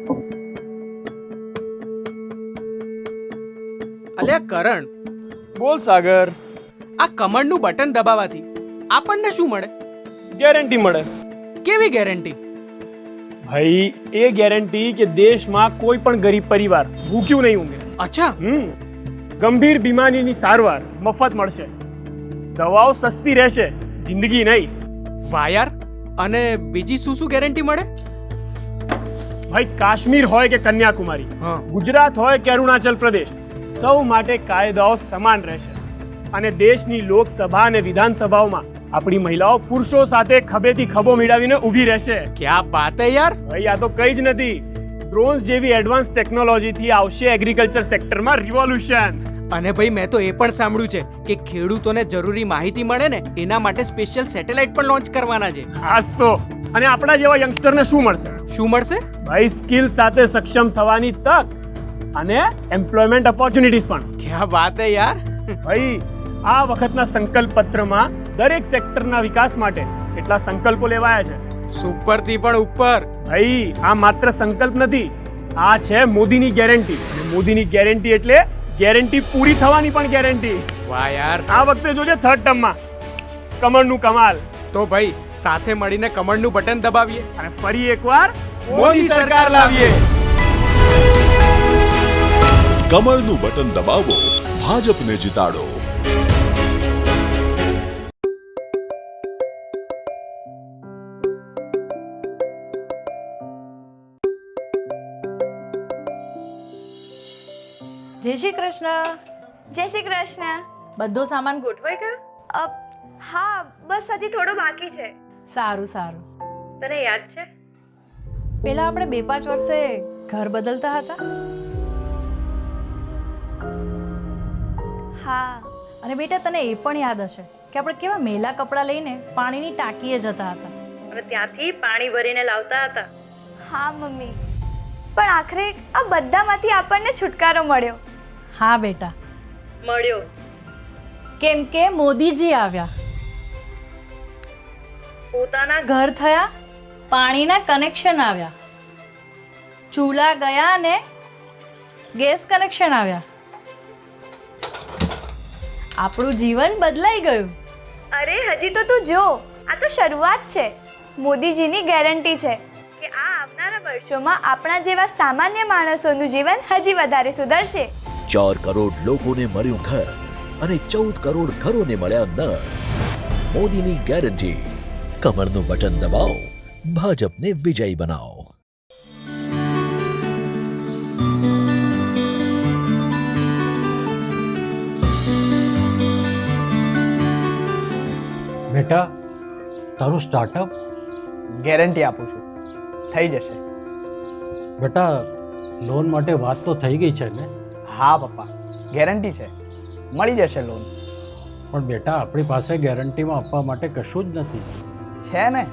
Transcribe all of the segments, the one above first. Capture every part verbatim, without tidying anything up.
અલ્યા કરણ, બોલ સાગર. આ કમળનું બટન દબાવવાથી આપણને શું મળે? ગેરંટી મળે. કેવી ગેરંટી? ભાઈ એ ગેરંટી કે દેશમાં કોઈ પણ ગરીબ પરિવાર ભૂખ્યું નહીં ઊંઘે. અચ્છા. હમ ગંભીર બીમારીની સારવાર મફત મળશે, દવાઓ સસ્તી રહેશે, જિંદગી નહીં. વાહ યાર. અને બીજી શું શું ગેરંટી મળે? ભાઈ કાશ્મીર હોય કે કન્યાકુમારી, હા. ગુજરાત હોય કે અરુણાચલ પ્રદેશ, સૌ માટે કાયદાઓ સમાન રહેશે. અને દેશની લોકસભા અને વિધાનસભાઓમાં આપણી મહિલાઓ પુરુષો સાથે ખભેથી ખભો મિલાવીને ઊભી રહેશે. ક્યાં બાત હે યાર. ભાઈ આ તો કઈ જ નથી, ડ્રોન્સ જેવી એડવાન્સ ટેકનોલોજીથી આવશે એગ્રીકલ્ચર સેક્ટરમાં રિવોલ્યુશન. અને ભાઈ મેં તો એ પણ સાંભળ્યું છે કે ખેડૂતોને જરૂરી માહિતી મળે ને એના માટે સ્પેશિયલ સેટેલાઇટ પણ લોન્ચ કરવાના છે. ખાસ તો અને આપણા જેવા યંગસ્ટરને શું મળશે? શું મળશે? ભાઈ સ્કિલ સાથે સક્ષમ થવાની તક અને એમ્પ્લોયમેન્ટ ઓપોર્ચ્યુનિટીઝ પણ. ક્યાં વાત હે યાર. ભાઈ આ વખતના સંકલ્પ પત્રમાં દરેક સેક્ટરના વિકાસ માટે કેટલા સંકલ્પો લેવાયા છે. સુપર થી પણ ઉપર. ભાઈ આ માત્ર સંકલ્પ નથી, આ છે મોદીની ગેરંટી. અને મોદીની ગેરંટી એટલે ગેરંટી પૂરી થવાની પણ ગેરંટી. વાહ યાર. આ વખતે જોજે થર્ડ ટર્મમાં કમળનું કમાલ. તો ભાઈ સાથે મળીને કમળનું બટન દબાવીએ અને ફરી એકવાર મોદી સરકાર લાવીએ. કમળનું બટન દબાવો, ભાજપને જીતાડો. જય શ્રી કૃષ્ણ. જય શ્રી કૃષ્ણ. બધો સામાન ગોઠવાઈ ગયો? અ, હા બસ હજી થોડો બાકી છે. સારું સારું. તને યાદ છે પેલા આપણે બે પાંચ વર્ષે ઘર બદલતા હતા? હા. અને બેટા તને એ પણ યાદ હશે કે આપણે કેવા મેલા કપડાં લઈને પાણીની ટાંકીએ જતા હતા અને ત્યાંથી પાણી ભરીને લાવતા હતા. હા મમ્મી, પણ આખરે આ બધામાંથી આપણને છુટકારો મળ્યો. હા બેટા મળ્યો, કેમ કે મોદીજી આવ્યા, પોતાના ઘર થયા, પાણીના કનેક્શન આવ્યા, ચૂલા ગયા અને ગેસ કનેક્શન આવ્યા. આપણું જીવન બદલાઈ ગયું. અરે હજી તો તું જો, આ તો શરૂઆત છે. મોદીજીની ગેરંટી છે કે આ આવનારા વર્ષોમાં આપણા જેવા સામાન્ય માણસોનું જીવન હજી વધારે સુધરશે. ચાર કરોડ લોકોને મળ્યું ઘર અને ચૌદ કરોડ ઘરોને મળ્યા નળ. મોદીની ગેરંટી. કમરનું બટન દબાવો, ભાજપને વિજયી બનાવો. બેટા તારું સ્ટાર્ટઅપ? ગેરંટી આપું છું, થઈ જશે. બેટા લોન માટે વાત તો થઈ ગઈ છે ને? હા પપ્પા, ગેરંટી છે, મળી જશે લોન. પણ બેટા આપણી પાસે ગેરંટીમાં આપવા માટે કશું જ નથી. છે ને,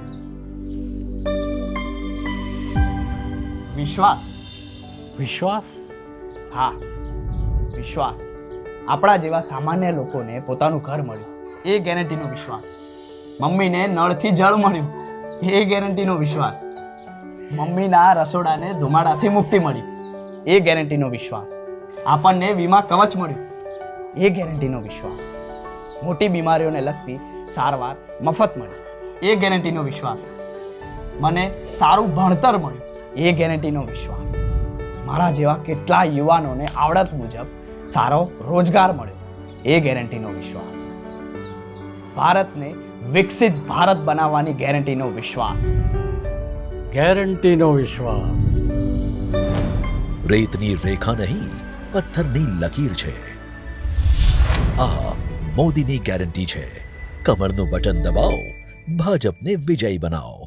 વિશ્વાસ. વિશ્વાસ? હા વિશ્વાસ. આપણા જેવા સામાન્ય લોકોને પોતાનું ઘર મળ્યું, એ ગેરંટીનો વિશ્વાસ. મમ્મીને નળથી જળ મળ્યું, એ ગેરંટીનો વિશ્વાસ. મમ્મીના રસોડાને ધુમાડાથી મુક્તિ મળી, એ ગેરંટીનો વિશ્વાસ. આપણને વીમા કવચ મળ્યું, એ ગેરંટીનો વિશ્વાસ. મોટી બીમારીઓને લગતી સારવાર મફત મળી, એ ગેરંટીનો વિશ્વાસ. મને સારું ભણતર મળ્યું, એ ગેરંટીનો વિશ્વાસ. મારા જેવા કેટલા યુવાનોને આવડત મુજબ સારો રોજગાર મળ્યો, એ ગેરંટીનો વિશ્વાસ. ભારતને વિકસિત ભારત બનાવવાની ગેરંટીનો વિશ્વાસ. ગેરંટીનો વિશ્વાસ. રેતની રેખા નહીં, પથ્થરની લકીર છે. આ મોદીની ગેરંટી છે. કમરનું બટન દબાવો, ભાજપને વિજયી બનાવો.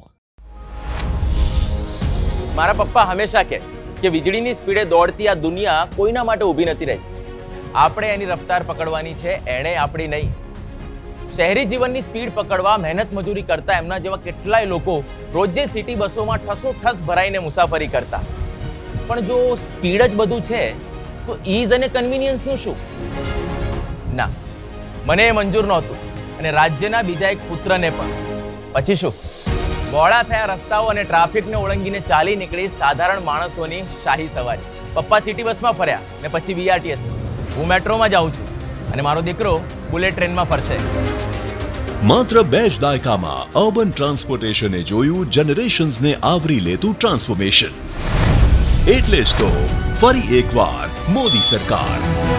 મારા પપ્પા હંમેશા કહે કે વીજળીની સ્પીડે દોડતી આ દુનિયા કોઈના માટે ઊભી નથી રહી. આપણે એની રફતાર પકડવાની છે, એણે આપણી નહીં. શહેરી જીવનની સ્પીડ પકડવા મહેનત મજૂરી કરતા એમના જેવા કેટલાય લોકો રોજે સિટી બસોમાં ઠસો ઠસ ભરાઈને મુસાફરી કરતા. પણ જો સ્પીડ જ બધું છે તો ઈઝ અને કન્વિનિયન્સનું શું? ના, મને એ મંજૂર નહોતું અને રાજ્યના બીજા એક પુત્રને પણ. પછી શું? બહોળા થયા રસ્તાઓ અને ટ્રાફિકને ઓળંગીને ચાલી નીકળી સાધારણ માણસોની શાહી સવારી. પપ્પા સિટી બસમાં ફર્યા ને પછી બીઆરટીએસ. હું મેટ્રોમાં જાઉં છું અને મારો દીકરો બુલેટ ટ્રેનમાં ફરશે. માત્ર બે જ દાયકામાં અર્બન ટ્રાન્સપોર્ટેશને જોયું જનરેશન્સને આવરી લેતું ટ્રાન્સફોર્મેશન. એટલે જ તો ફરી એકવાર મોદી સરકાર.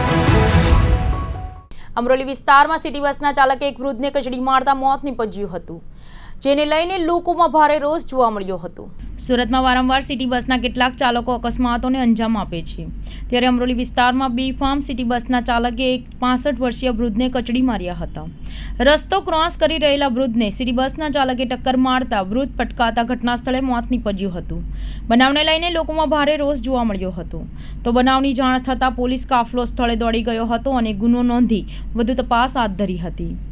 અમરોલી વિસ્તારમાં સિટી બસના ચાલકે એક વૃદ્ધને કચડી મારતા મોત નીપજ્યું હતું, જેને લઈને લોકોમાં ભારે રોષ જોવા મળ્યો હતો. સુરતમાં વારંવાર સિટી બસના કેટલાક ચાલકો અકસ્માતોને અંજામ આપે છે, ત્યારે અમરોલી વિસ્તારમાં બેફામ સિટી બસના ચાલકે એક પાસઠ વર્ષીય વૃદ્ધને કચડી માર્યા હતા. રસ્તો ક્રોસ કરી રહેલા વૃદ્ધને સિટી બસના ચાલકે ટક્કર મારતા વૃદ્ધ પટકાતા ઘટના સ્થળે મોત નીપજ્યું હતું. બનાવને લઈને લોકોમાં ભારે રોષ જોવા મળ્યો હતો. તો બનાવની જાણ થતાં પોલીસ કાફલો સ્થળે દોડી ગયો હતો અને ગુનો નોંધી વધુ તપાસ હાથ ધરી હતી.